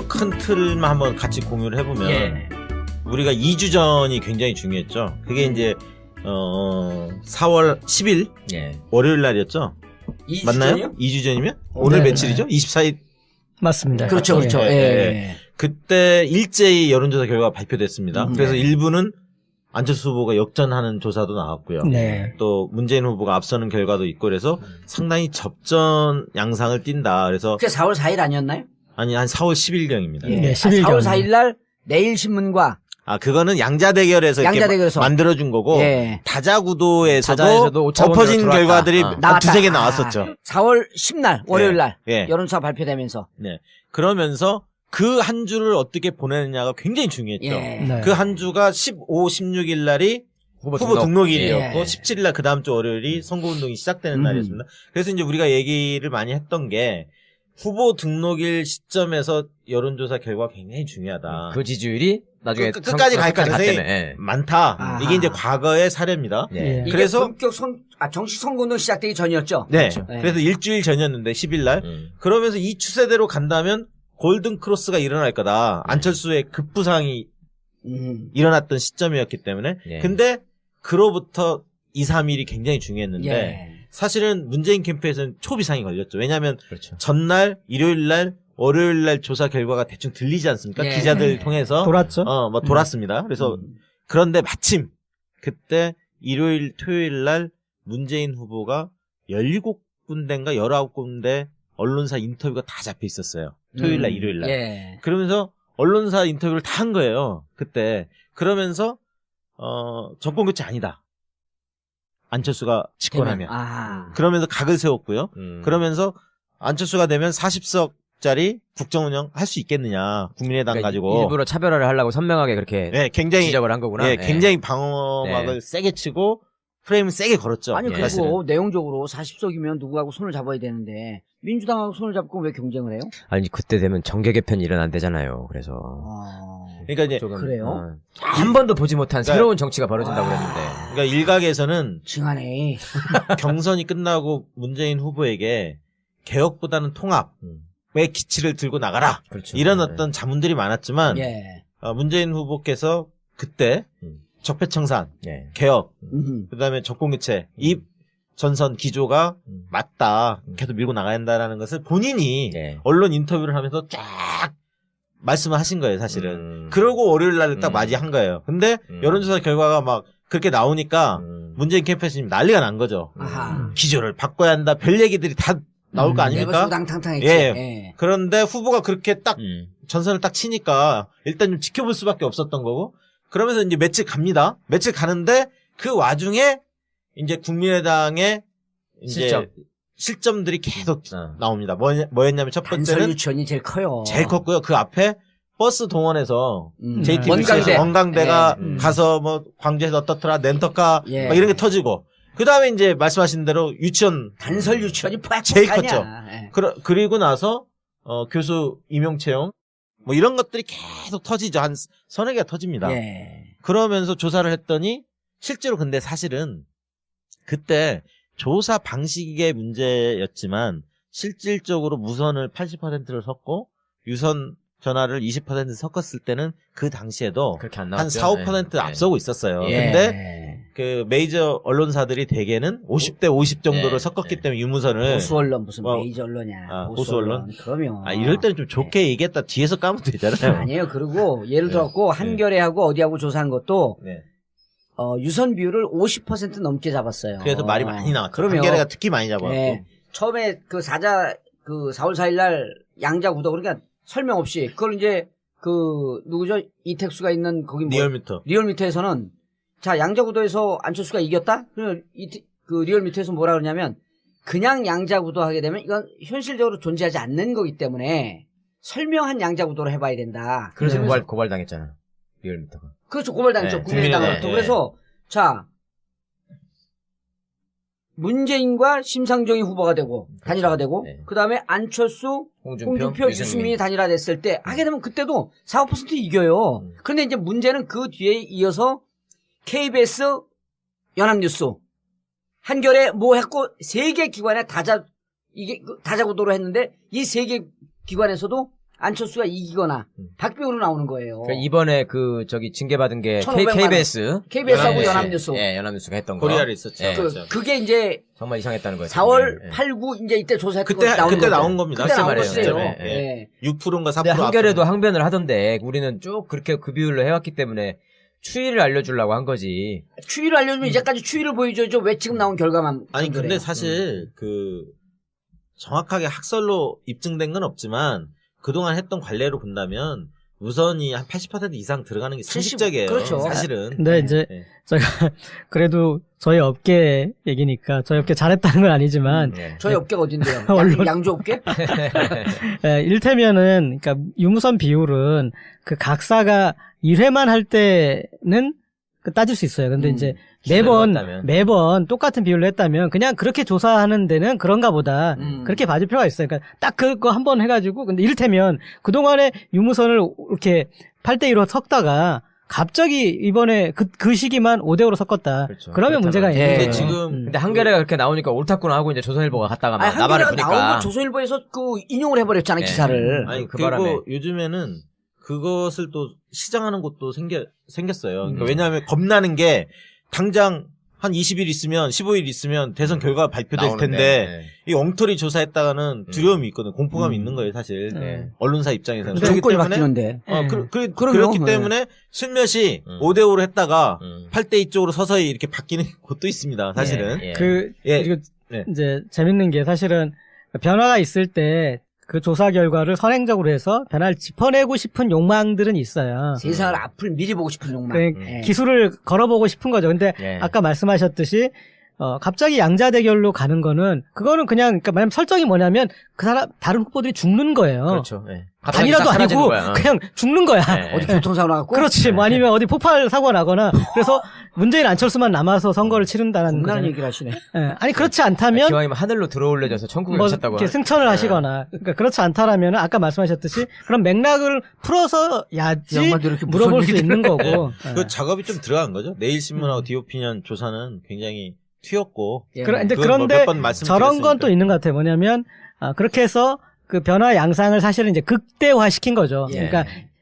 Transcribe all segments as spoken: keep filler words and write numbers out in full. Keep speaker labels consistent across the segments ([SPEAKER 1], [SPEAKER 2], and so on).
[SPEAKER 1] 큰 틀만 한번 같이 공유를 해보면
[SPEAKER 2] 예.
[SPEAKER 1] 우리가 이 주 전이 굉장히 중요했죠. 그게 이제 어 사월 십일
[SPEAKER 2] 예.
[SPEAKER 1] 월요일 날이었죠.
[SPEAKER 2] 이 주
[SPEAKER 1] 맞나요?
[SPEAKER 2] 전이요?
[SPEAKER 1] 이 주 전이면? 오늘
[SPEAKER 3] 네.
[SPEAKER 1] 며칠이죠? 이십사 일.
[SPEAKER 3] 맞습니다.
[SPEAKER 2] 그렇죠, 그렇죠.
[SPEAKER 1] 예,
[SPEAKER 2] 예.
[SPEAKER 1] 예,
[SPEAKER 2] 예.
[SPEAKER 1] 그때 일제히 여론조사 결과가 발표됐습니다.
[SPEAKER 2] 음,
[SPEAKER 1] 그래서
[SPEAKER 2] 네.
[SPEAKER 1] 일부는 안철수 후보가 역전하는 조사도 나왔고요.
[SPEAKER 3] 네.
[SPEAKER 1] 또 문재인 후보가 앞서는 결과도 있고 그래서 상당히 접전 양상을 띈다. 그래서
[SPEAKER 2] 그게 사월 사일 아니었나요?
[SPEAKER 1] 아니 한 사월 십일경입니다.
[SPEAKER 3] 네,
[SPEAKER 2] 아,
[SPEAKER 3] 십일
[SPEAKER 2] 사월
[SPEAKER 3] 경.
[SPEAKER 2] 사일 날 내일신문과
[SPEAKER 1] 아 그거는 양자대결에서 이렇게
[SPEAKER 2] 양자대결에서.
[SPEAKER 1] 만들어준 거고
[SPEAKER 2] 예.
[SPEAKER 1] 다자구도에서도
[SPEAKER 4] 다자에서도 오차범위로
[SPEAKER 1] 엎어진
[SPEAKER 4] 들어왔다.
[SPEAKER 1] 결과들이
[SPEAKER 4] 어.
[SPEAKER 1] 한
[SPEAKER 2] 나왔다.
[SPEAKER 1] 두세 개
[SPEAKER 2] 아,
[SPEAKER 1] 나왔었죠.
[SPEAKER 2] 사월 십일 날 월요일 날
[SPEAKER 1] 예.
[SPEAKER 2] 여론조사 발표되면서
[SPEAKER 1] 네. 그러면서 그 한 주를 어떻게 보내느냐가 굉장히 중요했죠.
[SPEAKER 2] 예.
[SPEAKER 3] 네.
[SPEAKER 1] 그 한 주가 십오, 십육 일 날이
[SPEAKER 4] 후보,
[SPEAKER 1] 후보
[SPEAKER 4] 등록.
[SPEAKER 1] 등록일이었고
[SPEAKER 2] 예.
[SPEAKER 1] 십칠 일 날 그 다음 주 월요일이 선거운동이 시작되는
[SPEAKER 2] 음.
[SPEAKER 1] 날이었습니다. 그래서 이제 우리가 얘기를 많이 했던 게 후보 등록일 시점에서 여론조사 결과가 굉장히 중요하다.
[SPEAKER 4] 그 지지율이 나중에
[SPEAKER 1] 끝- 끝까지 갈 가능성이
[SPEAKER 4] 갔다며. 예.
[SPEAKER 1] 많다.
[SPEAKER 2] 아하.
[SPEAKER 1] 이게 이제 과거의 사례입니다.
[SPEAKER 4] 예.
[SPEAKER 3] 예.
[SPEAKER 2] 이게
[SPEAKER 1] 그래서-
[SPEAKER 2] 본격 선, 아, 정식 선거운동 시작되기 전이었죠.
[SPEAKER 1] 네.
[SPEAKER 4] 그렇죠.
[SPEAKER 2] 네.
[SPEAKER 1] 그래서 일주일 전이었는데 십 일 날.
[SPEAKER 4] 음.
[SPEAKER 1] 그러면서 이 추세대로 간다면 골든 크로스가 일어날 거다. 안철수의 급부상이
[SPEAKER 2] 음.
[SPEAKER 1] 일어났던 시점이었기 때문에.
[SPEAKER 4] 예.
[SPEAKER 1] 근데 그로부터 이, 삼 일이 굉장히 중요했는데
[SPEAKER 2] 예.
[SPEAKER 1] 사실은 문재인 캠프에서는 초비상이 걸렸죠. 왜냐하면
[SPEAKER 4] 그렇죠.
[SPEAKER 1] 전날, 일요일 날, 월요일 날 조사 결과가 대충 들리지 않습니까?
[SPEAKER 2] 예.
[SPEAKER 1] 기자들 통해서
[SPEAKER 3] 돌았죠?
[SPEAKER 1] 어, 뭐 돌았습니다. 그래서
[SPEAKER 2] 음.
[SPEAKER 1] 그런데 마침 그때 일요일, 토요일 날 문재인 후보가 열일곱 군데인가 열아홉 군데 언론사 인터뷰가 다 잡혀 있었어요. 토요일 날,
[SPEAKER 2] 음.
[SPEAKER 1] 일요일 날.
[SPEAKER 2] 예.
[SPEAKER 1] 그러면서 언론사 인터뷰를 다 한 거예요. 그때. 그러면서 어, 정권 교체 아니다. 안철수가 집권하면.
[SPEAKER 2] 아.
[SPEAKER 1] 그러면서 각을 세웠고요.
[SPEAKER 4] 음.
[SPEAKER 1] 그러면서 안철수가 되면 사십 석짜리 국정운영 할 수 있겠느냐. 국민의당
[SPEAKER 4] 그러니까
[SPEAKER 1] 가지고.
[SPEAKER 4] 일부러 차별화를 하려고 선명하게 그렇게
[SPEAKER 1] 네, 굉장히
[SPEAKER 4] 지적을 한 거구나.
[SPEAKER 1] 예,
[SPEAKER 4] 예.
[SPEAKER 1] 굉장히 방어막을
[SPEAKER 4] 네.
[SPEAKER 1] 세게 치고 프레임을 세게 걸었죠.
[SPEAKER 2] 아니,
[SPEAKER 4] 예.
[SPEAKER 2] 그리고
[SPEAKER 1] 사실은.
[SPEAKER 2] 내용적으로 사십 석이면 누구하고 손을 잡아야 되는데, 민주당하고 손을 잡고 왜 경쟁을 해요?
[SPEAKER 4] 아니 그때 되면 정계 개편이 일어난대잖아요. 그래서
[SPEAKER 2] 어...
[SPEAKER 1] 그러니까 이제
[SPEAKER 4] 조금,
[SPEAKER 2] 그래요?
[SPEAKER 4] 어, 한 번도 보지 못한
[SPEAKER 1] 그러니까-
[SPEAKER 4] 새로운 정치가 벌어진다고 그랬는데.
[SPEAKER 1] 그러니까 일각에서는
[SPEAKER 2] 징하네.
[SPEAKER 1] 경선이 끝나고 문재인 후보에게 개혁보다는 통합의
[SPEAKER 4] 음.
[SPEAKER 1] 기치를 들고 나가라.
[SPEAKER 4] 그렇죠.
[SPEAKER 1] 이런
[SPEAKER 4] 네.
[SPEAKER 1] 어떤 자문들이 많았지만
[SPEAKER 2] 예.
[SPEAKER 1] 어, 문재인 후보께서 그때
[SPEAKER 4] 음.
[SPEAKER 1] 적폐청산,
[SPEAKER 4] 예.
[SPEAKER 1] 개혁,
[SPEAKER 2] 음.
[SPEAKER 1] 그다음에 정권교체 이 전선 기조가
[SPEAKER 4] 음.
[SPEAKER 1] 맞다.
[SPEAKER 4] 음.
[SPEAKER 1] 계속 밀고 나가야 한다라는 것을 본인이
[SPEAKER 4] 예.
[SPEAKER 1] 언론 인터뷰를 하면서 쫙 말씀을 하신 거예요, 사실은.
[SPEAKER 4] 음.
[SPEAKER 1] 그러고 월요일 날을 딱
[SPEAKER 4] 음.
[SPEAKER 1] 맞이한 거예요. 근데
[SPEAKER 4] 음.
[SPEAKER 1] 여론조사 결과가 막 그렇게 나오니까
[SPEAKER 4] 음.
[SPEAKER 1] 문재인 캠프에서 지금 난리가 난 거죠.
[SPEAKER 2] 아하.
[SPEAKER 1] 기조를 바꿔야 한다. 별 얘기들이 다 나올 거 아닙니까?
[SPEAKER 2] 내버당탕탕했지.
[SPEAKER 1] 예.
[SPEAKER 2] 예.
[SPEAKER 1] 그런데 후보가 그렇게 딱
[SPEAKER 4] 음.
[SPEAKER 1] 전선을 딱 치니까 일단 좀 지켜볼 수밖에 없었던 거고 그러면서 이제 며칠 갑니다. 며칠 가는데 그 와중에 이제 국민의당의 이제
[SPEAKER 4] 실점.
[SPEAKER 1] 실점들이 계속
[SPEAKER 4] 어.
[SPEAKER 1] 나옵니다. 뭐, 뭐였냐면 첫
[SPEAKER 2] 단설
[SPEAKER 1] 번째는
[SPEAKER 2] 유치원이 제일 커요.
[SPEAKER 1] 제일 컸고요. 그 앞에 버스 동원해서
[SPEAKER 2] 음.
[SPEAKER 1] 제이티비씨에서
[SPEAKER 2] 원광대.
[SPEAKER 1] 원광대가
[SPEAKER 2] 예. 음.
[SPEAKER 1] 가서 뭐 광주에서 어떻더라 렌터카
[SPEAKER 2] 예.
[SPEAKER 1] 막 이런 게 터지고 그 다음에 이제 말씀하신 대로 유치원
[SPEAKER 2] 단설 유치원이 팍팍하냐.
[SPEAKER 1] 제일 컸죠.
[SPEAKER 2] 예.
[SPEAKER 1] 그러, 그리고 나서 어, 교수 임용 채용 뭐 이런 것들이 계속 터지죠. 한 서너 개가 터집니다.
[SPEAKER 2] 예.
[SPEAKER 1] 그러면서 조사를 했더니 실제로 근데 사실은 그때 조사 방식의 문제였지만 실질적으로 무선을 팔십 퍼센트를 섰고 유선 전화를 이십 퍼센트 섞었을 때는 그 당시에도
[SPEAKER 4] 그렇게 안
[SPEAKER 1] 한
[SPEAKER 4] 나왔죠.
[SPEAKER 1] 사, 오 퍼센트
[SPEAKER 4] 예.
[SPEAKER 1] 앞서고 있었어요.
[SPEAKER 2] 예.
[SPEAKER 1] 근데 그 메이저 언론사들이 대개는 오십 대 오십 정도를
[SPEAKER 4] 예.
[SPEAKER 1] 섞었기
[SPEAKER 4] 예.
[SPEAKER 1] 때문에 유무선을
[SPEAKER 2] 보수 언론 무슨
[SPEAKER 1] 뭐,
[SPEAKER 2] 메이저 언론이야.
[SPEAKER 1] 아,
[SPEAKER 2] 보수
[SPEAKER 1] 보수 언론?
[SPEAKER 2] 언론. 그러면
[SPEAKER 1] 아 이럴 때는 좀 좋게 얘기했다 뒤에서 까면 되잖아요.
[SPEAKER 2] 아니에요. 그리고 예를
[SPEAKER 1] 네.
[SPEAKER 2] 들었고 한겨레하고 어디하고 조사한 것도
[SPEAKER 1] 네.
[SPEAKER 2] 어, 유선 비율을 오십 퍼센트 넘게 잡았어요.
[SPEAKER 1] 그래서 말이 많이 나왔죠.
[SPEAKER 2] 그러면
[SPEAKER 1] 한겨레가 특히 많이 잡았고.
[SPEAKER 2] 예. 처음에 그 사자 그 사월 사일 날 양자 구도 그러니까 설명 없이 그걸 이제 그 누구죠? 이택수가 있는 거기 뭐
[SPEAKER 1] 리얼미터.
[SPEAKER 2] 리얼미터에서는 자 양자 구도에서 안철수가 이겼다? 그러면 이, 그 리얼미터에서 뭐라 그러냐면 그냥 양자 구도 하게 되면 이건 현실적으로 존재하지 않는 거기 때문에 설명한 양자 구도로 해봐야 된다.
[SPEAKER 4] 그래서
[SPEAKER 2] 그러면서-
[SPEAKER 4] 고발 고발당했잖아. 리얼미터가.
[SPEAKER 2] 그렇죠. 고발당했죠.
[SPEAKER 4] 네,
[SPEAKER 2] 국민의당으로부터.
[SPEAKER 1] 국민의당,
[SPEAKER 2] 그래서 자 문재인과 심상정이 후보가 되고 단일화가 되고
[SPEAKER 4] 네.
[SPEAKER 2] 그 다음에 안철수,
[SPEAKER 4] 홍준표,
[SPEAKER 2] 홍준표,
[SPEAKER 4] 유승민.
[SPEAKER 2] 유승민이 단일화됐을 때 하게 되면 그때도 사, 오 퍼센트 이겨요.
[SPEAKER 4] 음.
[SPEAKER 2] 그런데 이제 문제는 그 뒤에 이어서 케이비에스, 연합뉴스, 한겨레 뭐 했고 세 개 기관에 다자 이게 그 다자구도로 했는데 이 세 개 기관에서도 안철수가 이기거나
[SPEAKER 4] 음.
[SPEAKER 2] 박빙으로 나오는 거예요.
[SPEAKER 4] 그러니까 이번에 그 저기 징계받은 게
[SPEAKER 2] 천오백만 원.
[SPEAKER 4] 케이비에스
[SPEAKER 2] 케이비에스하고
[SPEAKER 4] 예,
[SPEAKER 2] 연합뉴스.
[SPEAKER 4] 예, 연합뉴스가 했던 거.
[SPEAKER 1] 코리아를 있었죠.
[SPEAKER 4] 예,
[SPEAKER 2] 그,
[SPEAKER 1] 그렇죠.
[SPEAKER 2] 그게 이제
[SPEAKER 4] 정말 이상했다는 거예요.
[SPEAKER 2] 사월
[SPEAKER 4] 예.
[SPEAKER 2] 팔, 구 이제 이때 조사했던
[SPEAKER 1] 그때
[SPEAKER 2] 거 나온
[SPEAKER 1] 그때
[SPEAKER 2] 거죠.
[SPEAKER 1] 나온 겁니다.
[SPEAKER 2] 그때 나온
[SPEAKER 4] 말이에요.
[SPEAKER 2] 거예요.
[SPEAKER 4] 예, 예.
[SPEAKER 2] 예.
[SPEAKER 1] 육 퍼센트인가 사
[SPEAKER 4] 근데
[SPEAKER 1] 퍼센트
[SPEAKER 4] 한겨레도
[SPEAKER 1] 앞서는.
[SPEAKER 4] 항변을 하던데 우리는 쭉 그렇게 그 비율로 해왔기 때문에 추이를 알려주려고 한 거지.
[SPEAKER 2] 추이를 알려주면 이제까지 추이를 보여줘야죠. 왜 지금 나온 결과만.
[SPEAKER 1] 아니
[SPEAKER 2] 그래요?
[SPEAKER 1] 근데 사실 그 정확하게 학설로 입증된 건 없지만 그동안 했던 관례로 본다면 우선이 한 팔십 퍼센트 이상 들어가는 게 상식적이에요.
[SPEAKER 2] 그렇죠.
[SPEAKER 1] 사실은.
[SPEAKER 3] 근데 이제
[SPEAKER 1] 네.
[SPEAKER 3] 제가 그래도 저희 업계 얘기니까 저희 업계 잘했다는 건 아니지만
[SPEAKER 4] 예.
[SPEAKER 2] 저희 업계가 어딘데요?
[SPEAKER 3] 언론-
[SPEAKER 2] 양, 양조 업계?
[SPEAKER 3] 예, 일테면은 그러니까 유무선 비율은 그 각사가 일 회만 할 때는 그 따질 수 있어요. 근데
[SPEAKER 2] 음,
[SPEAKER 3] 이제 매번
[SPEAKER 4] 해봤다면.
[SPEAKER 3] 매번 똑같은 비율로 했다면 그냥 그렇게 조사하는 데는 그런가 보다.
[SPEAKER 2] 음.
[SPEAKER 3] 그렇게 봐줄 필요가 있어요. 그러니까 딱 그거 한 번 해가지고 근데 이를테면 그동안에 유무선을 이렇게 팔 대 이로 섞다가 갑자기 이번에 그, 그 시기만 오 대 오로 섞었다.
[SPEAKER 4] 그렇죠.
[SPEAKER 3] 그러면 문제가
[SPEAKER 2] 그렇다면.
[SPEAKER 3] 있는
[SPEAKER 2] 예.
[SPEAKER 3] 거예요.
[SPEAKER 1] 근데 지금
[SPEAKER 3] 음.
[SPEAKER 4] 근데 한겨레가 그렇게 나오니까 옳다구나 하고 이제 조선일보가 갔다가 막
[SPEAKER 2] 아니,
[SPEAKER 4] 나발을
[SPEAKER 2] 한겨레가
[SPEAKER 4] 부니까.
[SPEAKER 2] 나온 거 조선일보에서 그 인용을 해버렸잖아요,
[SPEAKER 4] 예.
[SPEAKER 2] 기사를.
[SPEAKER 1] 아니
[SPEAKER 4] 그
[SPEAKER 1] 그리고
[SPEAKER 4] 바람에.
[SPEAKER 1] 요즘에는 그것을 또 시장하는 곳도 생겨 생겼어요. 그러니까
[SPEAKER 4] 음.
[SPEAKER 1] 왜냐하면 겁나는 게 당장 한 이십 일 있으면 십오 일 있으면 대선 결과가 발표될
[SPEAKER 4] 나오는데.
[SPEAKER 1] 텐데 이 엉터리 조사했다가는
[SPEAKER 4] 음.
[SPEAKER 1] 두려움이 있거든. 공포감이
[SPEAKER 2] 음.
[SPEAKER 1] 있는 거예요, 사실.
[SPEAKER 3] 네.
[SPEAKER 1] 언론사 입장에서는.
[SPEAKER 3] 근데
[SPEAKER 1] 그렇기
[SPEAKER 2] 정권이
[SPEAKER 1] 때문에
[SPEAKER 2] 바뀌는데.
[SPEAKER 1] 어,
[SPEAKER 3] 예.
[SPEAKER 1] 그, 그,
[SPEAKER 2] 그럼요.
[SPEAKER 1] 그렇기
[SPEAKER 2] 네.
[SPEAKER 1] 때문에 슬며시
[SPEAKER 4] 음.
[SPEAKER 1] 오 대 오로 했다가
[SPEAKER 4] 음.
[SPEAKER 1] 팔 대 이 쪽으로 서서히 이렇게 바뀌는 곳도 있습니다, 사실은.
[SPEAKER 4] 예, 예.
[SPEAKER 3] 그
[SPEAKER 1] 예.
[SPEAKER 3] 그리고
[SPEAKER 1] 네.
[SPEAKER 3] 이제 재밌는 게 사실은 변화가 있을 때 그 조사 결과를 선행적으로 해서 변화를 짚어내고 싶은 욕망들은 있어요.
[SPEAKER 2] 세상을 앞을 미리 보고 싶은 욕망.
[SPEAKER 3] 그
[SPEAKER 2] 예.
[SPEAKER 3] 기술을 걸어보고 싶은 거죠. 근데
[SPEAKER 4] 예.
[SPEAKER 3] 아까 말씀하셨듯이 어 갑자기 양자 대결로 가는 거는 그거는 그냥 그러니까 만약 설정이 뭐냐면 그 사람 다른 후보들이 죽는 거예요.
[SPEAKER 4] 그렇죠. 예. 갑자기
[SPEAKER 3] 단이라도
[SPEAKER 4] 싹 사라지는
[SPEAKER 3] 아니고
[SPEAKER 4] 거야.
[SPEAKER 3] 그냥 죽는 거야.
[SPEAKER 4] 예.
[SPEAKER 2] 어디 교통사고 나갖고?
[SPEAKER 3] 그렇지. 뭐 아니면 어디 폭발 사고가 나거나 그래서 문재인 안철수만 남아서 선거를 치른다는
[SPEAKER 2] 겁나는
[SPEAKER 3] 거죠.
[SPEAKER 2] 얘기를 하시네.
[SPEAKER 3] 예. 아니 그렇지 않다면
[SPEAKER 4] 기왕이면 하늘로 들어올려져서 천국에
[SPEAKER 3] 뭐
[SPEAKER 4] 가셨다고.
[SPEAKER 3] 이렇게 승천을 하시거나 그러니까 그렇지 않다라면 아까 말씀하셨듯이 그런 맥락을 풀어서야지
[SPEAKER 2] 양반도 이렇게 무슨
[SPEAKER 3] 물어볼 수
[SPEAKER 2] 얘기를
[SPEAKER 3] 있는 거고. 예.
[SPEAKER 1] 그 작업이 좀 들어간 거죠. 내일신문하고
[SPEAKER 3] 음.
[SPEAKER 1] 디오피니언 조사는 굉장히 튀었고.
[SPEAKER 2] 예.
[SPEAKER 3] 그러- 근데
[SPEAKER 1] 그건 뭐
[SPEAKER 3] 그런데
[SPEAKER 1] 몇번 말씀드렸으니까.
[SPEAKER 3] 저런 건 또 있는 것 같아요. 뭐냐면 아, 그렇게 해서 그 변화 양상을 사실은 이제 극대화 시킨 거죠.
[SPEAKER 2] 예.
[SPEAKER 3] 그러니까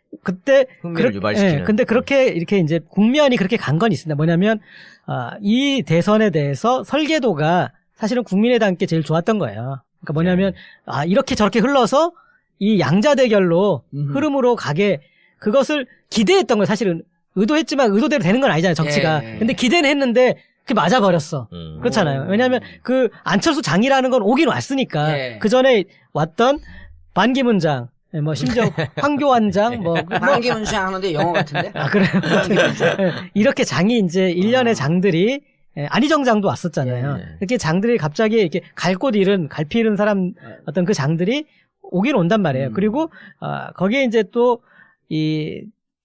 [SPEAKER 3] 그때
[SPEAKER 4] 흥미를
[SPEAKER 3] 그렇-
[SPEAKER 4] 유발시키는.
[SPEAKER 3] 예, 근데 그렇게 이렇게 이제 국면이 그렇게 간 건 있습니다. 뭐냐면 아, 이 대선에 대해서 설계도가 사실은 국민의당께 제일 좋았던 거예요. 그러니까 뭐냐면 아, 이렇게 저렇게 흘러서 이 양자 대결로
[SPEAKER 2] 음흠.
[SPEAKER 3] 흐름으로 가게 그것을 기대했던 거예요. 사실은 의도했지만 의도대로 되는 건 아니잖아요. 정치가.
[SPEAKER 2] 예.
[SPEAKER 3] 근데 기대는 했는데 그게 맞아 버렸어.
[SPEAKER 4] 음.
[SPEAKER 3] 그렇잖아요.
[SPEAKER 2] 오.
[SPEAKER 3] 왜냐하면 그 안철수 장이라는 건 오긴 왔으니까
[SPEAKER 2] 예.
[SPEAKER 3] 그 전에 왔던 반기문 장, 예, 뭐 심지어 황교안 장, 뭐, 뭐
[SPEAKER 2] 반기문 장 하는데 영어 같은데?
[SPEAKER 3] 아 그래요. 예, 이렇게 장이 이제 일련의
[SPEAKER 2] 아.
[SPEAKER 3] 장들이 예, 안희정 장도 왔었잖아요.
[SPEAKER 4] 예.
[SPEAKER 3] 이렇게 장들이 갑자기 이렇게 갈 곳 잃은 갈피 잃은 사람 어떤 그 장들이 오긴 온단 말이에요.
[SPEAKER 2] 음.
[SPEAKER 3] 그리고 아, 거기에 이제 또 이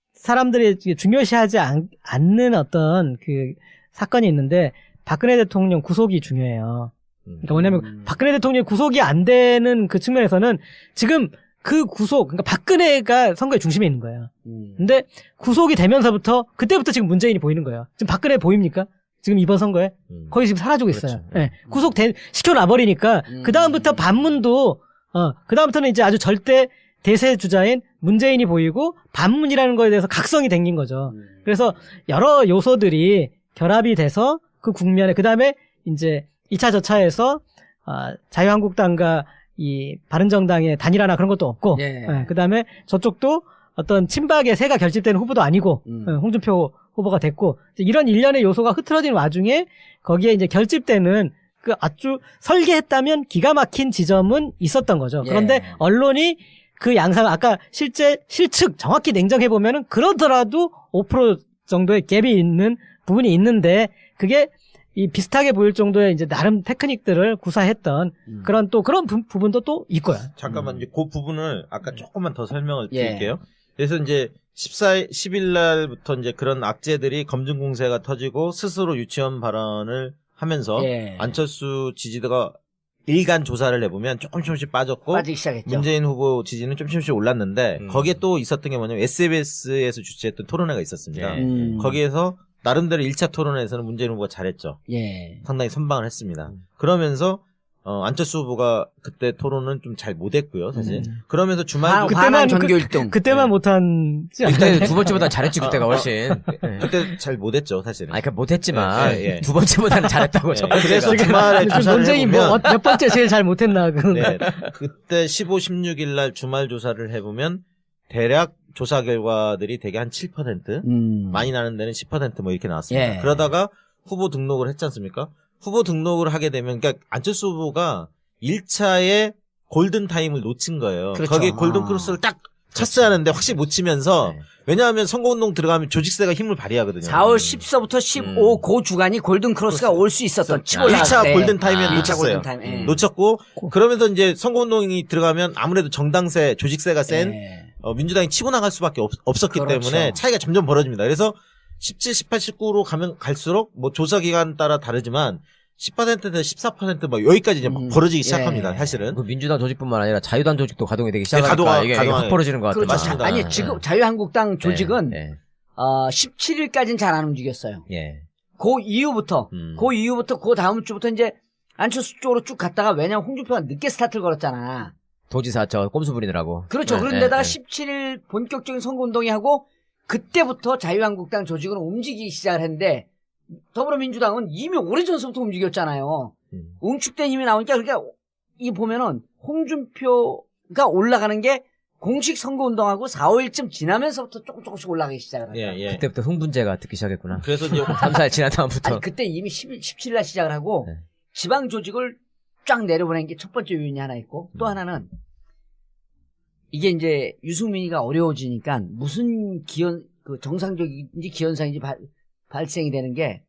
[SPEAKER 3] 사람들이 중요시하지 않, 않는 어떤 그 사건이 있는데 박근혜 대통령 구속이 중요해요. 그러니까 뭐냐면
[SPEAKER 2] 음.
[SPEAKER 3] 박근혜 대통령 구속이 안 되는 그 측면에서는 지금 그 구속, 그러니까 박근혜가 선거의 중심에 있는 거예요.
[SPEAKER 2] 음.
[SPEAKER 3] 근데 구속이 되면서부터 그때부터 지금 문재인이 보이는 거예요. 지금 박근혜 보입니까? 지금 이번 선거에
[SPEAKER 4] 음.
[SPEAKER 3] 거의 지금 사라지고 있어요.
[SPEAKER 4] 그렇죠.
[SPEAKER 3] 예. 구속 된 시켜놔버리니까
[SPEAKER 2] 음.
[SPEAKER 3] 그 다음부터 반문도 어, 그 다음부터는 이제 아주 절대 대세 주자인 문재인이 보이고 반문이라는 거에 대해서 각성이 생긴 거죠.
[SPEAKER 2] 음.
[SPEAKER 3] 그래서 여러 요소들이 결합이 돼서 그 국면에 그 다음에 이제 이 차 저차에서 아, 자유한국당과 이 바른정당의 단일화나 그런 것도 없고
[SPEAKER 2] 예.
[SPEAKER 3] 그 다음에 저쪽도 어떤 친박의 세가 결집되는 후보도 아니고
[SPEAKER 2] 음.
[SPEAKER 3] 예, 홍준표 후보가 됐고 이런 일련의 요소가 흐트러진 와중에 거기에 이제 결집되는 그 아주 설계했다면 기가 막힌 지점은 있었던 거죠.
[SPEAKER 2] 예.
[SPEAKER 3] 그런데 언론이 그 양상 아까 실제 실측 정확히 냉정해 보면은 그러더라도 오 퍼센트 정도의 갭이 있는 부분이 있는데 그게 이 비슷하게 보일 정도의 이제 나름 테크닉들을 구사했던
[SPEAKER 2] 음.
[SPEAKER 3] 그런 또 그런 부, 부분도 또 있고요.
[SPEAKER 1] 잠깐만, 이제 그 부분을 아까 조금만 더 설명을
[SPEAKER 2] 예.
[SPEAKER 1] 드릴게요. 그래서 이제 십사, 십일 날부터 이제 그런 악재들이 검증 공세가 터지고 스스로 유치원 발언을 하면서
[SPEAKER 2] 예.
[SPEAKER 1] 안철수 지지도가 일간 조사를 해보면 조금 조금씩 빠졌고
[SPEAKER 2] 빠지기 시작했죠.
[SPEAKER 1] 문재인 후보 지지는 좀 조금씩 올랐는데
[SPEAKER 4] 음.
[SPEAKER 1] 거기에 또 있었던 게 뭐냐면 에스비에스에서 주최했던 토론회가 있었습니다.
[SPEAKER 4] 예.
[SPEAKER 2] 음.
[SPEAKER 1] 거기에서 나름대로 일 차 토론회에서는 문재인 후보가 잘했죠.
[SPEAKER 2] 예.
[SPEAKER 1] 상당히 선방을 했습니다.
[SPEAKER 4] 음.
[SPEAKER 1] 그러면서 어, 안철수 후보가 그때 토론은 좀 잘 못했고요, 사실.
[SPEAKER 3] 음.
[SPEAKER 1] 그러면서 주말
[SPEAKER 2] 화-
[SPEAKER 1] 도
[SPEAKER 3] 그때만
[SPEAKER 2] 화난
[SPEAKER 3] 그-
[SPEAKER 2] 전교 일 등.
[SPEAKER 3] 그때만
[SPEAKER 1] 네.
[SPEAKER 3] 못한지 않나요?
[SPEAKER 4] 그때 두 번째보다 잘했지 그때가 훨씬. 네.
[SPEAKER 1] 그때 잘 못했죠, 사실은.
[SPEAKER 4] 아니, 그러니까 못했지만
[SPEAKER 1] 예, 예.
[SPEAKER 4] 두 번째보다는 잘했다고. 첫
[SPEAKER 1] 예,
[SPEAKER 4] 번째가.
[SPEAKER 1] 그래서 주말에
[SPEAKER 3] 그
[SPEAKER 1] 조사를
[SPEAKER 3] 논쟁이
[SPEAKER 1] 해보면
[SPEAKER 3] 뭐 몇 번째 제일 잘 못했나 그.
[SPEAKER 1] 네, 그때 십오, 십육 일 날 주말 조사를 해보면 대략 조사 결과들이 대개 한 칠 퍼센트,
[SPEAKER 2] 음.
[SPEAKER 1] 많이 나는 데는 십 퍼센트 뭐 이렇게 나왔습니다.
[SPEAKER 2] 예.
[SPEAKER 1] 그러다가 후보 등록을 했지 않습니까? 후보 등록을 하게 되면, 그러니까 안철수 후보가 일 차에 골든 타임을 놓친 거예요.
[SPEAKER 2] 그렇죠.
[SPEAKER 1] 거기에 골든
[SPEAKER 2] 아.
[SPEAKER 1] 크로스를 딱 쳤어야 하는데 확실히 못 치면서,
[SPEAKER 4] 네.
[SPEAKER 1] 왜냐하면 선거운동 들어가면 조직세가 힘을 발휘하거든요.
[SPEAKER 2] 사월 십사부터 십오
[SPEAKER 1] 음.
[SPEAKER 2] 그 주간이 골든 크로스가 올 수 있었던 치고
[SPEAKER 1] 일 차
[SPEAKER 2] 나갈 때.
[SPEAKER 1] 골든 타임에
[SPEAKER 4] 아,
[SPEAKER 2] 일 차
[SPEAKER 1] 놓쳤어요.
[SPEAKER 2] 골든 타임. 예.
[SPEAKER 1] 놓쳤고, 그러면서 이제 선거운동이 들어가면 아무래도 정당세, 조직세가 센
[SPEAKER 2] 예.
[SPEAKER 1] 어, 민주당이 치고 나갈 수밖에 없, 없었기
[SPEAKER 2] 그렇죠.
[SPEAKER 1] 때문에 차이가 점점 벌어집니다. 그래서 십칠, 십팔, 십구로 가면 갈수록 뭐 조사 기간 따라 다르지만 십 퍼센트에서 십사 퍼센트 뭐 여기까지 이제 막
[SPEAKER 2] 음,
[SPEAKER 1] 벌어지기 시작합니다.
[SPEAKER 2] 예.
[SPEAKER 1] 사실은.
[SPEAKER 4] 그 민주당 조직뿐만 아니라 자유당 조직도 가동이 되기 시작하니까
[SPEAKER 1] 가동하-
[SPEAKER 4] 이게, 이게
[SPEAKER 1] 가동하-
[SPEAKER 4] 확 벌어지는 것 같아요.
[SPEAKER 2] 그렇죠.
[SPEAKER 1] 맞습니다.
[SPEAKER 2] 아니
[SPEAKER 1] 네.
[SPEAKER 2] 지금 자유한국당 조직은
[SPEAKER 4] 네.
[SPEAKER 2] 어, 십칠 일까지는 잘 안 움직였어요.
[SPEAKER 4] 예.
[SPEAKER 2] 그 이후부터,
[SPEAKER 1] 음.
[SPEAKER 2] 그 이후부터 그 다음 주부터 이제 안철수 쪽으로 쭉 갔다가 왜냐면 홍준표가 늦게 스타트를 걸었잖아.
[SPEAKER 4] 도지사 저 꼼수 부리느라고.
[SPEAKER 2] 그렇죠.
[SPEAKER 4] 네,
[SPEAKER 2] 그런데다가
[SPEAKER 4] 네, 네.
[SPEAKER 2] 십칠 일 본격적인 선거운동이 하고 그때부터 자유한국당 조직은 움직이기 시작을 했는데 더불어민주당은 이미 오래전서부터 움직였잖아요.
[SPEAKER 4] 음.
[SPEAKER 2] 응축된 힘이 나오니까 그러니까 이 보면은 홍준표가 올라가는 게 공식 선거운동하고 사, 오 일쯤 지나면서부터 조금 조금씩 올라가기 시작을 하죠.
[SPEAKER 1] 예, 예.
[SPEAKER 4] 그때부터 흥분제가 듣기 시작했구나.
[SPEAKER 1] 그래서 이제
[SPEAKER 4] 삼, 사 일 지난 다음부터.
[SPEAKER 2] 아니 그때 이미 십칠 일 날 시작을 하고
[SPEAKER 4] 네.
[SPEAKER 2] 지방 조직을 쫙 내려보낸 게 첫 번째 요인이 하나 있고 또
[SPEAKER 1] 음.
[SPEAKER 2] 하나는 이게 이제 유승민이가 어려워지니까 무슨 기현 그 정상적인지 기현상인지 발, 발생이 되는 게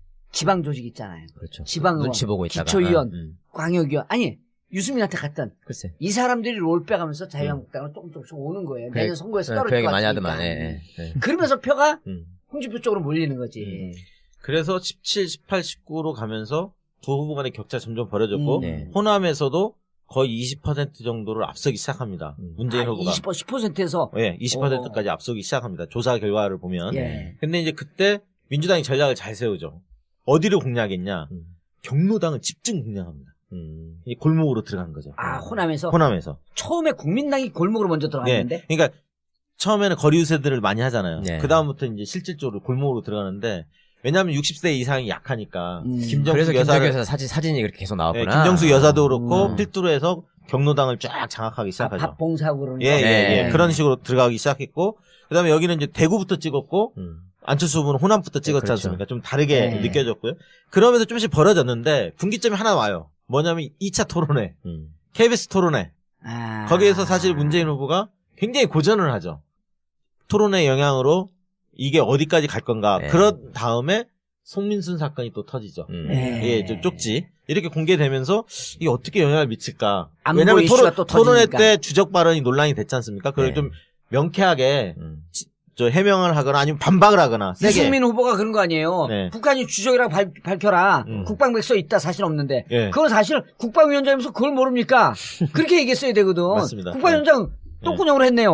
[SPEAKER 2] 지방 조직 있잖아요.
[SPEAKER 4] 그렇죠.
[SPEAKER 2] 지방의원,
[SPEAKER 4] 눈치 보고 있다가.
[SPEAKER 2] 기초의원,
[SPEAKER 4] 음.
[SPEAKER 2] 광역의원 아니 유승민한테 갔던
[SPEAKER 4] 글쎄.
[SPEAKER 2] 이 사람들이 롤 빼가면서 자유한국당을 조금 조금씩 오는 거예요. 내년 선거에서 떨어질
[SPEAKER 4] 그 얘기
[SPEAKER 2] 것
[SPEAKER 4] 많이
[SPEAKER 2] 같으니까.
[SPEAKER 4] 하더만. 예, 예, 예.
[SPEAKER 2] 그러면서 표가
[SPEAKER 1] 음.
[SPEAKER 2] 홍준표 쪽으로 몰리는 거지.
[SPEAKER 1] 음. 그래서 십칠, 십팔, 십구로 가면서 두 후보 간의 격차 점점 벌어졌고
[SPEAKER 2] 음.
[SPEAKER 4] 네.
[SPEAKER 1] 호남에서도 거의 이십 퍼센트 정도를 앞서기 시작합니다.
[SPEAKER 4] 음.
[SPEAKER 1] 문재인
[SPEAKER 2] 아,
[SPEAKER 1] 후보가.
[SPEAKER 2] 이십 퍼센트, 십 퍼센트에서
[SPEAKER 1] 예, 이십 퍼센트까지 앞서기 시작합니다. 조사 결과를 보면.
[SPEAKER 2] 예.
[SPEAKER 1] 근데 이제 그때 민주당이 전략을 잘 세우죠. 어디를 공략했냐?
[SPEAKER 4] 음.
[SPEAKER 1] 경로당을 집중 공략합니다.
[SPEAKER 4] 음.
[SPEAKER 1] 이 골목으로 들어간 거죠.
[SPEAKER 2] 아 호남에서
[SPEAKER 1] 호남에서.
[SPEAKER 2] 처음에 국민당이 골목으로 먼저
[SPEAKER 1] 예.
[SPEAKER 2] 들어갔는데
[SPEAKER 1] 그러니까 처음에는 거리 유세들을 많이 하잖아요.
[SPEAKER 4] 네.
[SPEAKER 1] 그 다음부터 이제 실질적으로 골목으로 들어가는데 왜냐하면 육십 세 이상이 약하니까
[SPEAKER 2] 음.
[SPEAKER 1] 김정숙
[SPEAKER 4] 그래서
[SPEAKER 1] 여사를
[SPEAKER 4] 김정수 여사 사진, 사진이 그렇게 계속
[SPEAKER 1] 예,
[SPEAKER 4] 나왔구나.
[SPEAKER 1] 김정숙 여사도 그렇고
[SPEAKER 2] 음.
[SPEAKER 1] 필두로 해서 경로당을 쫙 장악하기
[SPEAKER 2] 아,
[SPEAKER 1] 시작하죠.
[SPEAKER 2] 밥봉사하고 그러는
[SPEAKER 1] 예,
[SPEAKER 2] 거.
[SPEAKER 1] 예, 예.
[SPEAKER 4] 네.
[SPEAKER 1] 그런 식으로 들어가기 시작했고 그다음에 여기는 이제 대구부터 찍었고
[SPEAKER 4] 음.
[SPEAKER 1] 안철수 후보는 호남부터 찍었지
[SPEAKER 4] 그렇죠.
[SPEAKER 1] 않습니까? 좀 다르게
[SPEAKER 2] 네.
[SPEAKER 1] 느껴졌고요. 그러면서 조금씩 벌어졌는데 분기점이 하나 와요. 뭐냐면 이 차 토론회,
[SPEAKER 4] 음.
[SPEAKER 1] 케이비에스 토론회.
[SPEAKER 2] 아.
[SPEAKER 1] 거기에서 사실 문재인 후보가 굉장히 고전을 하죠. 토론회 영향으로 이게 어디까지 갈 건가.
[SPEAKER 4] 네.
[SPEAKER 1] 그런 다음에 송민순 사건이 또 터지죠.
[SPEAKER 4] 음.
[SPEAKER 2] 네.
[SPEAKER 1] 예, 좀 쪽지. 이렇게 공개되면서 이게 어떻게 영향을 미칠까.
[SPEAKER 2] 안보
[SPEAKER 1] 왜냐면
[SPEAKER 2] 이슈가
[SPEAKER 1] 토론,
[SPEAKER 2] 또
[SPEAKER 1] 토론회
[SPEAKER 2] 터지니까.
[SPEAKER 1] 때 주적 발언이 논란이 됐지 않습니까? 그걸
[SPEAKER 4] 네.
[SPEAKER 1] 좀 명쾌하게
[SPEAKER 4] 음.
[SPEAKER 1] 저 해명을 하거나 아니면 반박을 하거나 세게.
[SPEAKER 2] 유승민 후보가 그런 거 아니에요.
[SPEAKER 1] 네.
[SPEAKER 2] 북한이 주적이라고 발, 밝혀라.
[SPEAKER 1] 음.
[SPEAKER 2] 국방백 써 있다 사실 없는데.
[SPEAKER 1] 예.
[SPEAKER 2] 그건 사실 국방위원장이면서 그걸 모릅니까? 그렇게 얘기했어야 되거든.
[SPEAKER 1] 맞습니다.
[SPEAKER 2] 국방위원장 똥구녕으로 했네요.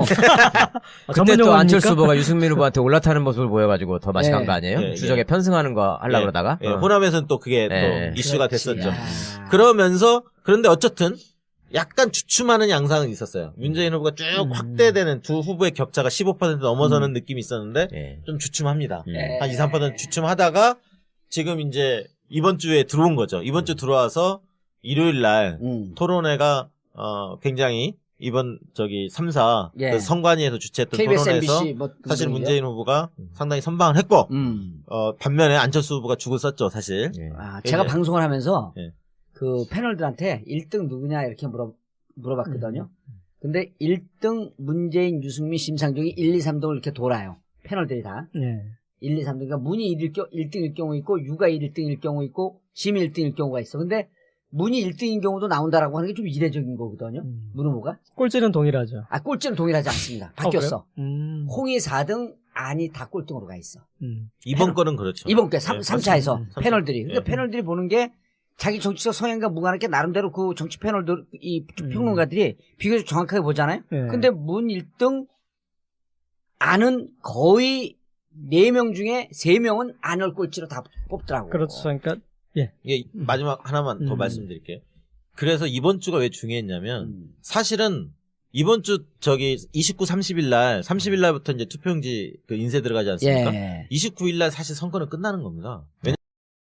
[SPEAKER 3] 아,
[SPEAKER 4] 그때
[SPEAKER 3] 전문
[SPEAKER 4] 또
[SPEAKER 3] 용어입니까?
[SPEAKER 4] 안철수 후보가 유승민 후보한테 올라타는 모습을 보여가지고 더 맛이
[SPEAKER 2] 네.
[SPEAKER 4] 간 거 아니에요?
[SPEAKER 1] 예, 예.
[SPEAKER 4] 주적에 편승하는 거 하려고
[SPEAKER 1] 예.
[SPEAKER 4] 그러다가.
[SPEAKER 1] 예,
[SPEAKER 4] 어.
[SPEAKER 1] 호남에서는 또 그게
[SPEAKER 4] 예.
[SPEAKER 1] 또 이슈가
[SPEAKER 2] 그렇지.
[SPEAKER 1] 됐었죠.
[SPEAKER 2] 아.
[SPEAKER 1] 그러면서 그런데 어쨌든 약간 주춤하는 양상은 있었어요. 문재인 후보가 쭉
[SPEAKER 3] 음.
[SPEAKER 1] 확대되는 두 후보의 격차가 십오 퍼센트 넘어서는 느낌이 있었는데
[SPEAKER 4] 예.
[SPEAKER 1] 좀 주춤합니다.
[SPEAKER 4] 음.
[SPEAKER 2] 예.
[SPEAKER 1] 한 이, 삼 퍼센트 주춤하다가 지금 이제 이번 주에 들어온 거죠. 이번 주 들어와서 일요일 날
[SPEAKER 2] 음.
[SPEAKER 1] 토론회가 어 굉장히 이번 저기 삼 사
[SPEAKER 2] 예.
[SPEAKER 1] 그 선관위에서 주최했던
[SPEAKER 2] 케이비에스,
[SPEAKER 1] 토론회에서
[SPEAKER 2] 엠비씨 뭐
[SPEAKER 1] 사실
[SPEAKER 2] 그런
[SPEAKER 1] 문재인 후보가 상당히 선방을 했고
[SPEAKER 2] 음.
[SPEAKER 1] 어 반면에 안철수 후보가 죽을 썼죠 사실.
[SPEAKER 4] 예.
[SPEAKER 2] 아, 제가
[SPEAKER 1] 예.
[SPEAKER 2] 방송을 하면서
[SPEAKER 1] 예.
[SPEAKER 2] 그 패널들한테 일 등 누구냐 이렇게 물어, 물어봤거든요. 근데 일 등 문재인, 유승민, 심상정이 일, 이, 삼 등을 이렇게 돌아요. 패널들이 다.
[SPEAKER 3] 예.
[SPEAKER 2] 일, 이, 삼 등. 그러니까 문이 일 등일 경우 있고 유가 일 등일 경우 있고 심이 일 등일 경우가 있어. 근데 문이 일 등인 경우도 나온다라고 하는 게 좀 이례적인 거거든요.
[SPEAKER 3] 음.
[SPEAKER 2] 문 후보가.
[SPEAKER 3] 꼴찌는 동일하죠.
[SPEAKER 2] 아, 꼴찌는 동일하지 않습니다. 바뀌었어.
[SPEAKER 3] 어, 그래요? 음.
[SPEAKER 2] 홍이 사 등, 안이 다 꼴등으로 가 있어.
[SPEAKER 3] 음.
[SPEAKER 1] 이번
[SPEAKER 2] 패널-
[SPEAKER 1] 거는 그렇죠.
[SPEAKER 2] 이번 게 삼,
[SPEAKER 1] 예,
[SPEAKER 2] 삼 차에서
[SPEAKER 3] 맞습니다.
[SPEAKER 1] 삼 차.
[SPEAKER 2] 패널들이. 그러니까
[SPEAKER 1] 예.
[SPEAKER 2] 패널들이 보는 게 자기 정치적 성향과 무관하게 나름대로 그 정치 패널들, 이
[SPEAKER 3] 음.
[SPEAKER 2] 평론가들이 비교적 정확하게 보잖아요.
[SPEAKER 3] 예.
[SPEAKER 2] 근데 문 일 등 안은 거의 네 명 중에 세 명은 안을 꼴찌로 다 뽑더라고.
[SPEAKER 3] 그렇죠. 그러니까
[SPEAKER 1] 예, 마지막 하나만 더
[SPEAKER 3] 음.
[SPEAKER 1] 말씀드릴게요. 그래서 이번 주가 왜 중요했냐면
[SPEAKER 2] 음.
[SPEAKER 1] 사실은 이번 주 저기 이십구, 삼십일 날, 삼십일 날부터 이제 투표용지 그 인쇄 들어가지 않습니까?
[SPEAKER 2] 예.
[SPEAKER 1] 이십구 일 날 사실 선거는 끝나는 겁니다. 왜냐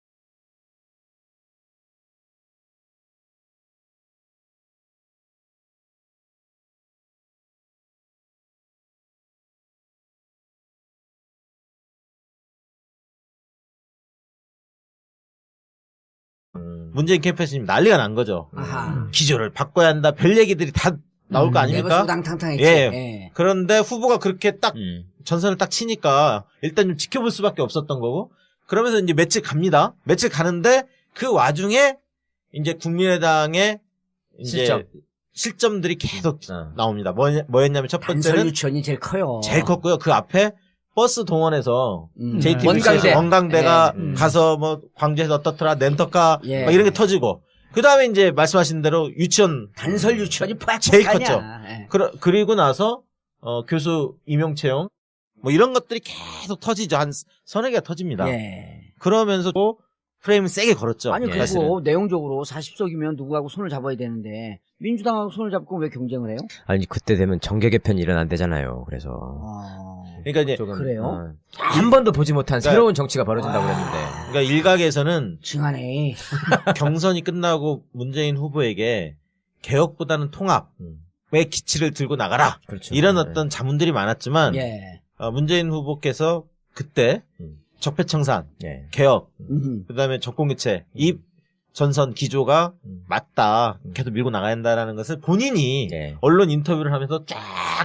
[SPEAKER 4] 음.
[SPEAKER 1] 문재인 캠프에서 지금 난리가 난 거죠.
[SPEAKER 2] 아하.
[SPEAKER 1] 기조를 바꿔야 한다. 별 얘기들이 다 나올 거
[SPEAKER 3] 음,
[SPEAKER 1] 아닙니까?
[SPEAKER 2] 내버려당탕탕했지.
[SPEAKER 1] 예.
[SPEAKER 2] 예.
[SPEAKER 1] 그런데 후보가 그렇게 딱
[SPEAKER 4] 음.
[SPEAKER 1] 전선을 딱 치니까 일단 좀 지켜볼 수밖에 없었던 거고 그러면서 이제 며칠 갑니다. 며칠 가는데 그 와중에 이제 국민의당의 이제
[SPEAKER 4] 실점.
[SPEAKER 1] 실점들이 계속
[SPEAKER 4] 어.
[SPEAKER 1] 나옵니다. 뭐, 뭐였냐면 첫
[SPEAKER 2] 단설
[SPEAKER 1] 번째는
[SPEAKER 2] 유치원이 제일 커요.
[SPEAKER 1] 제일 컸고요. 그 앞에 버스 동원해서
[SPEAKER 2] 음.
[SPEAKER 1] 제이티비씨에서
[SPEAKER 2] 원광대.
[SPEAKER 1] 원광대가
[SPEAKER 2] 예. 음.
[SPEAKER 1] 가서 뭐 광주에서 어떻더라 렌터카
[SPEAKER 2] 예.
[SPEAKER 1] 막 이런 게 터지고 그 다음에 이제 말씀하신 대로 유치원
[SPEAKER 2] 단설 유치원이 팍팍하냐.
[SPEAKER 1] 제일 컸죠.
[SPEAKER 2] 예.
[SPEAKER 1] 그러, 그리고 나서 어, 교수 임용 채용 뭐 이런 것들이 계속 터지죠. 한 서너 개가 터집니다.
[SPEAKER 2] 예.
[SPEAKER 1] 그러면서 또 프레임을 세게 걸었죠.
[SPEAKER 2] 아니
[SPEAKER 4] 예.
[SPEAKER 2] 그리고
[SPEAKER 1] 사실은.
[SPEAKER 2] 내용적으로 사십 석이면 누구하고 손을 잡아야 되는데 민주당하고 손을 잡고 왜 경쟁을 해요?
[SPEAKER 4] 아니 그때 되면 정계 개편이 일어난대잖아요. 그래서
[SPEAKER 2] 아...
[SPEAKER 1] 그러니까 이제
[SPEAKER 4] 조금,
[SPEAKER 2] 그래요?
[SPEAKER 4] 어, 한 번도 보지 못한
[SPEAKER 1] 그러니까-
[SPEAKER 4] 새로운 정치가 벌어진다고
[SPEAKER 2] 아.
[SPEAKER 4] 그랬는데.
[SPEAKER 1] 그러니까 일각에서는
[SPEAKER 2] 징하네.
[SPEAKER 1] 경선이 끝나고 문재인 후보에게 개혁보다는 통합의
[SPEAKER 4] 음.
[SPEAKER 1] 기치를 들고 나가라.
[SPEAKER 4] 그렇죠.
[SPEAKER 1] 이런
[SPEAKER 4] 네.
[SPEAKER 1] 어떤 자문들이 많았지만
[SPEAKER 2] 예.
[SPEAKER 1] 어, 문재인 후보께서 그때
[SPEAKER 4] 음.
[SPEAKER 1] 적폐청산,
[SPEAKER 4] 예.
[SPEAKER 1] 개혁,
[SPEAKER 2] 음흠.
[SPEAKER 1] 그다음에 정권교체 이 전선 기조가
[SPEAKER 4] 음.
[SPEAKER 1] 맞다.
[SPEAKER 4] 음.
[SPEAKER 1] 계속 밀고 나가야 한다라는 것을 본인이
[SPEAKER 4] 예.
[SPEAKER 1] 언론 인터뷰를 하면서 쫙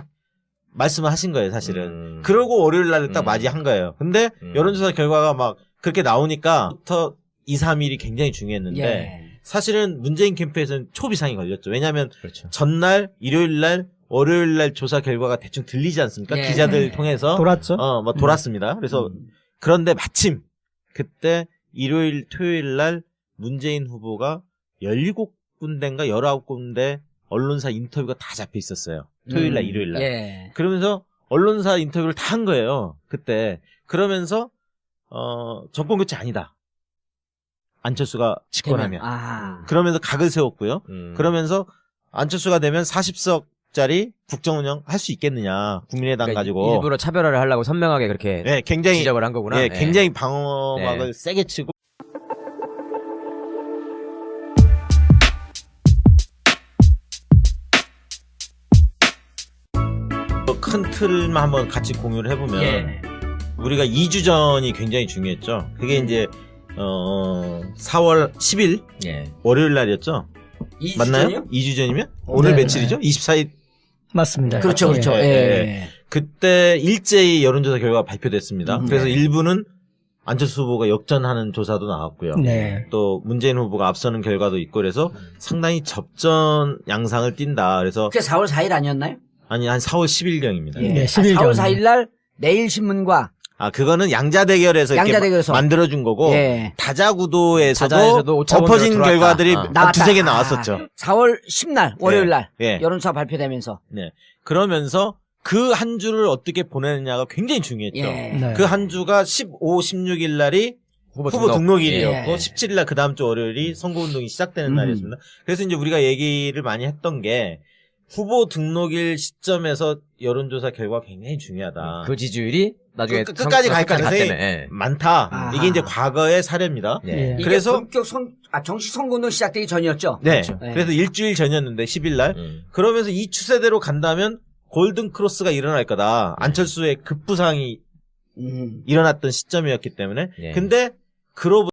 [SPEAKER 1] 말씀을 하신 거예요, 사실은.
[SPEAKER 4] 음.
[SPEAKER 1] 그러고 월요일 날 딱
[SPEAKER 4] 음.
[SPEAKER 1] 맞이한 거예요. 근데
[SPEAKER 4] 음.
[SPEAKER 1] 여론조사 결과가 막 그렇게 나오니까부터 이, 삼 일이 굉장히 중요했는데
[SPEAKER 2] 예.
[SPEAKER 1] 사실은 문재인 캠프에서는 초비상이 걸렸죠. 왜냐하면
[SPEAKER 4] 그렇죠.
[SPEAKER 1] 전날, 일요일 날, 월요일 날 조사 결과가 대충 들리지 않습니까?
[SPEAKER 2] 예.
[SPEAKER 1] 기자들 통해서
[SPEAKER 3] 돌았죠.
[SPEAKER 1] 어, 뭐 돌았습니다. 그래서
[SPEAKER 2] 음.
[SPEAKER 1] 그런데 마침 그때 일요일, 토요일 날 문재인 후보가 열일곱 군데인가 열아홉 군데 언론사 인터뷰가 다 잡혀 있었어요. 토요일 날,
[SPEAKER 2] 음.
[SPEAKER 1] 일요일 날.
[SPEAKER 2] 예.
[SPEAKER 1] 그러면서 언론사 인터뷰를 다 한 거예요. 그때. 그러면서 어, 정권 교체 아니다. 안철수가 집권하면.
[SPEAKER 2] 아.
[SPEAKER 1] 그러면서 각을 세웠고요.
[SPEAKER 4] 음.
[SPEAKER 1] 그러면서 안철수가 되면 사십 석짜리 국정운영 할 수 있겠느냐. 국민의당
[SPEAKER 4] 그러니까
[SPEAKER 1] 가지고.
[SPEAKER 4] 일부러 차별화를 하려고 선명하게 그렇게
[SPEAKER 1] 네, 굉장히
[SPEAKER 4] 지적을 한 거구나.
[SPEAKER 1] 예,
[SPEAKER 4] 예.
[SPEAKER 1] 굉장히 방어막을
[SPEAKER 4] 네.
[SPEAKER 1] 세게 치고 큰 틀만 한번 같이 공유를 해보면
[SPEAKER 2] 예.
[SPEAKER 1] 우리가 이 주 전이 굉장히 중요했죠. 그게 이제 어 사월 십일
[SPEAKER 4] 예.
[SPEAKER 1] 월요일 날이었죠.
[SPEAKER 2] 이 주
[SPEAKER 1] 맞나요?
[SPEAKER 2] 전이요?
[SPEAKER 1] 이 주 전이면? 오늘
[SPEAKER 3] 네.
[SPEAKER 1] 며칠이죠? 이십사 일.
[SPEAKER 3] 맞습니다.
[SPEAKER 2] 그렇죠, 그렇죠.
[SPEAKER 1] 예,
[SPEAKER 2] 예.
[SPEAKER 1] 예. 그때 일제히 여론조사 결과가 발표됐습니다.
[SPEAKER 2] 음,
[SPEAKER 1] 그래서
[SPEAKER 2] 네.
[SPEAKER 1] 일부는 안철수 후보가 역전하는 조사도 나왔고요.
[SPEAKER 3] 네.
[SPEAKER 1] 또 문재인 후보가 앞서는 결과도 있고 그래서 상당히 접전 양상을 띈다. 그래서
[SPEAKER 2] 그게 사월 사일 아니었나요?
[SPEAKER 1] 아니 한 사월 십일경입니다.
[SPEAKER 2] 예.
[SPEAKER 3] 네,
[SPEAKER 2] 아,
[SPEAKER 3] 십일
[SPEAKER 2] 사월
[SPEAKER 3] 경.
[SPEAKER 2] 사일 날 내일신문과
[SPEAKER 1] 아 그거는 양자 대결에서 이렇게
[SPEAKER 2] 양자대결에서.
[SPEAKER 1] 마- 만들어준 거고
[SPEAKER 2] 예.
[SPEAKER 1] 다자 구도에서도
[SPEAKER 4] 다자에서도 오차 본대로
[SPEAKER 1] 엎어진
[SPEAKER 4] 들어왔다.
[SPEAKER 1] 결과들이
[SPEAKER 4] 어.
[SPEAKER 2] 나왔다.
[SPEAKER 1] 두세 개
[SPEAKER 2] 아,
[SPEAKER 1] 나왔었죠.
[SPEAKER 2] 사월 십날 월요일 날
[SPEAKER 1] 예.
[SPEAKER 2] 여론조사 발표되면서
[SPEAKER 1] 네. 그러면서 그 한 주를 어떻게 보내느냐가 굉장히 중요했죠.
[SPEAKER 2] 예.
[SPEAKER 3] 네.
[SPEAKER 1] 그 한 주가 십오, 십육 일 날이
[SPEAKER 4] 후보,
[SPEAKER 1] 후보 등록일이었고
[SPEAKER 2] 예.
[SPEAKER 1] 십칠 일 날 그 다음 주 월요일이 선거운동이 시작되는
[SPEAKER 2] 음.
[SPEAKER 1] 날이었습니다. 그래서 이제 우리가 얘기를 많이 했던 게 후보 등록일 시점에서 여론조사 결과가 굉장히 중요하다.
[SPEAKER 4] 그 지지율이 나중에
[SPEAKER 1] 끝- 끝까지 갈
[SPEAKER 4] 선거까지
[SPEAKER 1] 가능성이
[SPEAKER 4] 갔다며. 예.
[SPEAKER 1] 많다.
[SPEAKER 2] 아하.
[SPEAKER 1] 이게 이제 과거의 사례입니다.
[SPEAKER 4] 예.
[SPEAKER 3] 예.
[SPEAKER 2] 이게
[SPEAKER 1] 그래서-
[SPEAKER 2] 본격 선, 아, 정식 선거운동 시작되기 전이었죠.
[SPEAKER 1] 네.
[SPEAKER 2] 그렇죠. 네.
[SPEAKER 1] 그래서 일주일 전이었는데 십 일 날.
[SPEAKER 4] 음.
[SPEAKER 1] 그러면서 이 추세대로 간다면 골든 크로스가 일어날 거다.
[SPEAKER 4] 네.
[SPEAKER 1] 안철수의 급부상이
[SPEAKER 2] 음.
[SPEAKER 1] 일어났던 시점이었기 때문에.
[SPEAKER 4] 예.
[SPEAKER 1] 근데 그로부터